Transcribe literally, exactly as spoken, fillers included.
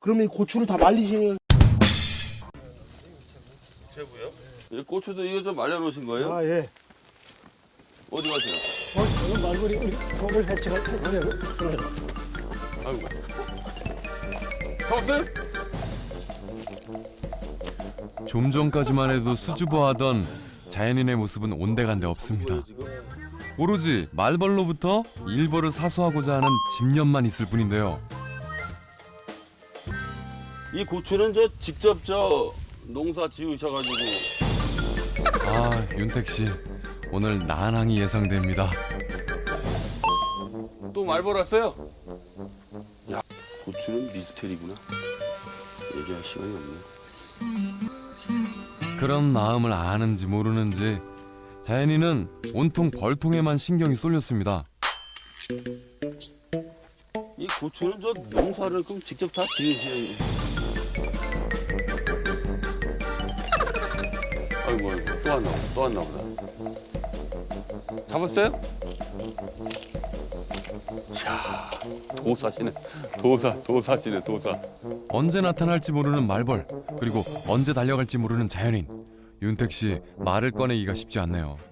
그러면 이 고추를 다 말리시는. 제부요? 이 고추도 이거 좀 말려놓으신 거예요? 아, 예. 어디 가세요? 어, 저는 말벌이 우리 동물 해치가 해치냐고. 아이고. 잡았어요? 좀 전까지만 해도 수줍어하던 자연인의 모습은 온데간데 없습니다. 오로지 말벌로부터 일벌을 사수하고자 하는 집념만 있을 뿐인데요. 이 고추는 저 직접 저 농사 지으셔가지고. 아, 윤택 씨 오늘 난항이 예상됩니다. 또 말벌 왔어요? 야, 고추는 미스테리구나. 얘기할 시간이 없네. 그런 마음을 아는지 모르는지 자연이는 온통 벌통에만 신경이 쏠렸습니다. 이 고추는 저 농사를 그럼 직접 다 지으시는. 아이고 아이고 또 왔나 보다. 또 왔나 보다. 잡았어요? 이야 도사시네. 도사 도사시네 도사. 언제 나타날지 모르는 말벌, 그리고 언제 달려갈지 모르는 자연인. 윤택 씨 말을 꺼내기가 쉽지 않네요.